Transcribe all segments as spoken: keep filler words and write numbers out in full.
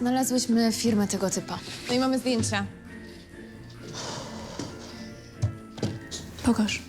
Znalazłyśmy firmę tego typa. No i mamy zdjęcia. Pokaż.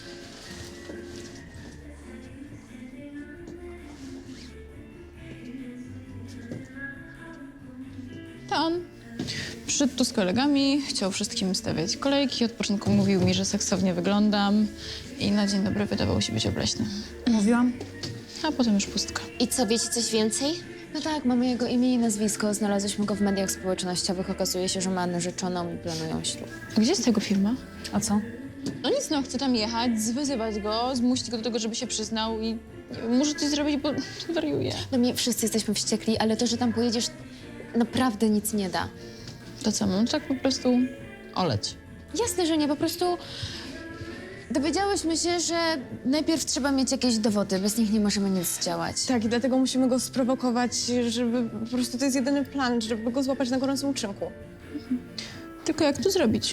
To on. Przyszedł tu z kolegami, chciał wszystkim stawiać kolejki. Od początku mówił mi, że seksownie wyglądam i na dzień dobry wydawał się być obleśny. Mówiłam? A potem już pustka. I co, wiecie coś więcej? No tak, mamy jego imię i nazwisko. Znalazłyśmy go w mediach społecznościowych. Okazuje się, że ma narzeczoną i planują ślub. A gdzie jest jego firma? A co? No nic, no chcę tam jechać, zwyzywać go, zmusić go do tego, żeby się przyznał i muszę coś zrobić, bo wariuję. No mi wszyscy jesteśmy wściekli, ale to, że tam pojedziesz, naprawdę nic nie da. To co, mam tak po prostu oleć. Jasne, że nie, po prostu dowiedziałyśmy się, że najpierw trzeba mieć jakieś dowody, bez nich nie możemy nic działać. Tak, i dlatego musimy go sprowokować, żeby po prostu to jest jedyny plan, żeby go złapać na gorącym uczynku. Tylko jak to zrobić?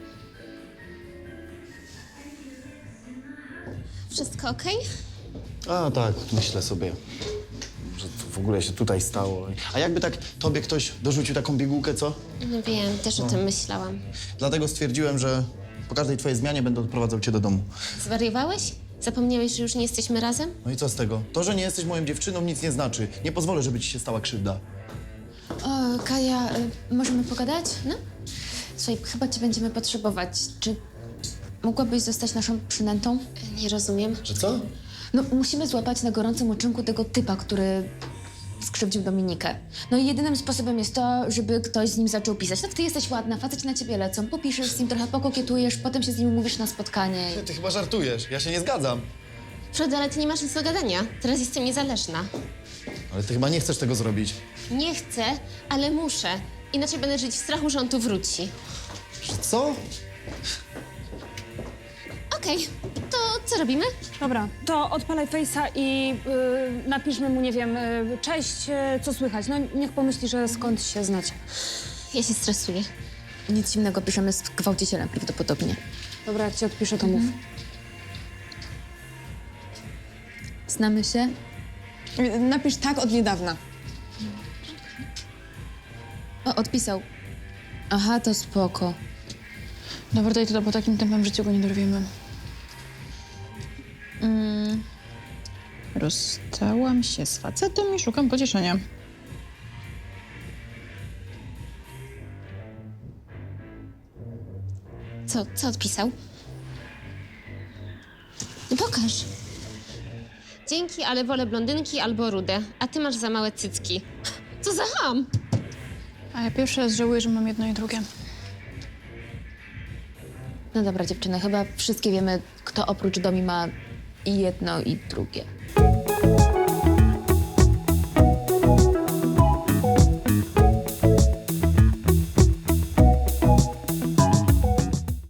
Wszystko okej? A tak, myślę sobie, że to w ogóle się tutaj stało. A jakby tak tobie ktoś dorzucił taką pigułkę, co? No wiem, też o tym myślałam. Dlatego stwierdziłem, że po każdej twojej zmianie będę odprowadzał cię do domu. Zwariowałeś? Zapomniałeś, że już nie jesteśmy razem? No i co z tego? To, że nie jesteś moją dziewczyną, nic nie znaczy. Nie pozwolę, żeby ci się stała krzywda. O, Kaja, y, możemy pogadać? No? Słuchaj, chyba cię będziemy potrzebować. Czy mogłabyś zostać naszą przynętą? Nie rozumiem. Że co? No, musimy złapać na gorącym uczynku tego typa, który skrzywdził Dominikę. No i jedynym sposobem jest to, żeby ktoś z nim zaczął pisać. Tak, ty jesteś ładna, faceci na ciebie lecą, popiszesz z nim, trochę pokokietujesz, potem się z nim umówisz na spotkanie. Ty, ty chyba żartujesz, ja się nie zgadzam. Frody, ale ty nie masz nic do gadania. Teraz jestem niezależna. Ale ty chyba nie chcesz tego zrobić. Nie chcę, ale muszę. Inaczej będę żyć w strachu, że on tu wróci. Że co? Okej, to co robimy? Dobra, to odpalaj Face'a i y, napiszmy mu, nie wiem, y, cześć, y, co słychać. No niech pomyśli, że skąd się znacie. Ja się stresuję. Nic innego, piszemy z gwałcicielem prawdopodobnie. Dobra, jak ci odpiszę, to mów. Znamy się? Napisz tak od niedawna. O, odpisał. Aha, to spoko. Dobra, daj to, bo takim tempem w życiu go nie dorwiemy. Mm. Rozstałam się z facetem i szukam pocieszenia. Co, co odpisał? No pokaż. Dzięki, ale wolę blondynki albo rude, a ty masz za małe cycki. Co za ham! A ja pierwszy raz żałuję, że mam jedno i drugie. No dobra, dziewczyny, chyba wszystkie wiemy, kto oprócz Domi ma i jedno, i drugie.